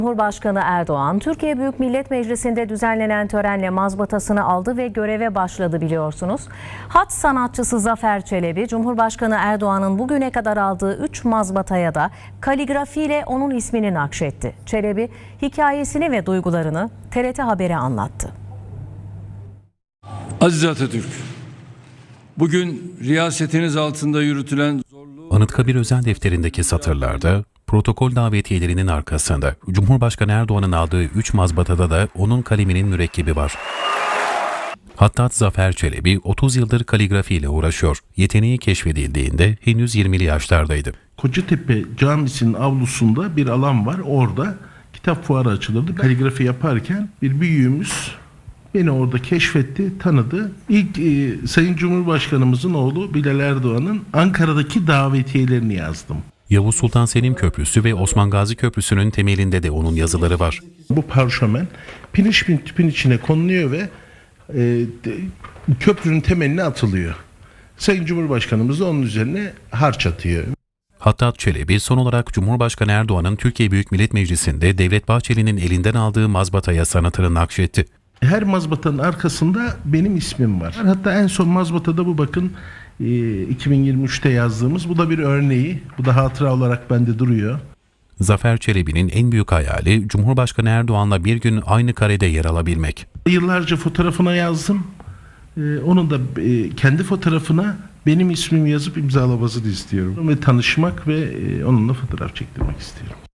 Cumhurbaşkanı Erdoğan, Türkiye Büyük Millet Meclisi'nde düzenlenen törenle mazbatasını aldı ve göreve başladı biliyorsunuz. Hat sanatçısı Zafer Çelebi, Cumhurbaşkanı Erdoğan'ın bugüne kadar aldığı 3 mazbataya da kaligrafiyle onun ismini nakşetti. Çelebi, hikayesini ve duygularını TRT Haber'e anlattı. Aziz Atatürk, bugün riyasetiniz altında yürütülen Anıtkabir özel defterindeki satırlarda, protokol davetiyelerinin arkasında Cumhurbaşkanı Erdoğan'ın aldığı 3 mazbatada da onun kaleminin mürekkebi var. Hattat Zafer Çelebi 30 yıldır kaligrafiyle uğraşıyor. Yeteneği keşfedildiğinde henüz 20'li yaşlardaydı. Kocatepe Camisi'nin avlusunda bir alan var. Orada kitap fuarı açılırdı. Kaligrafi yaparken bir büyüğümüz beni orada keşfetti, tanıdı. İlk Sayın Cumhurbaşkanımızın oğlu Bilal Erdoğan'ın Ankara'daki davetiyelerini yazdım. Yavuz Sultan Selim Köprüsü ve Osman Gazi Köprüsü'nün temelinde de onun yazıları var. Bu parşömen piniş bin tüpün içine konuluyor ve köprünün temeline atılıyor. Sayın Cumhurbaşkanımız da onun üzerine harç atıyor. Hattat Çelebi son olarak Cumhurbaşkanı Erdoğan'ın Türkiye Büyük Millet Meclisi'nde Devlet Bahçeli'nin elinden aldığı mazbataya sanatını nakşetti. Her mazbatanın arkasında benim ismim var. Hatta en son mazbatada bu bakın 2023'te yazdığımız. Bu da bir örneği. Bu da hatıra olarak bende duruyor. Zafer Çelebi'nin en büyük hayali Cumhurbaşkanı Erdoğan'la bir gün aynı karede yer alabilmek. Yıllarca fotoğrafına yazdım. Onun da kendi fotoğrafına benim ismimi yazıp imzalamasını istiyorum. Ve tanışmak ve onunla fotoğraf çektirmek istiyorum.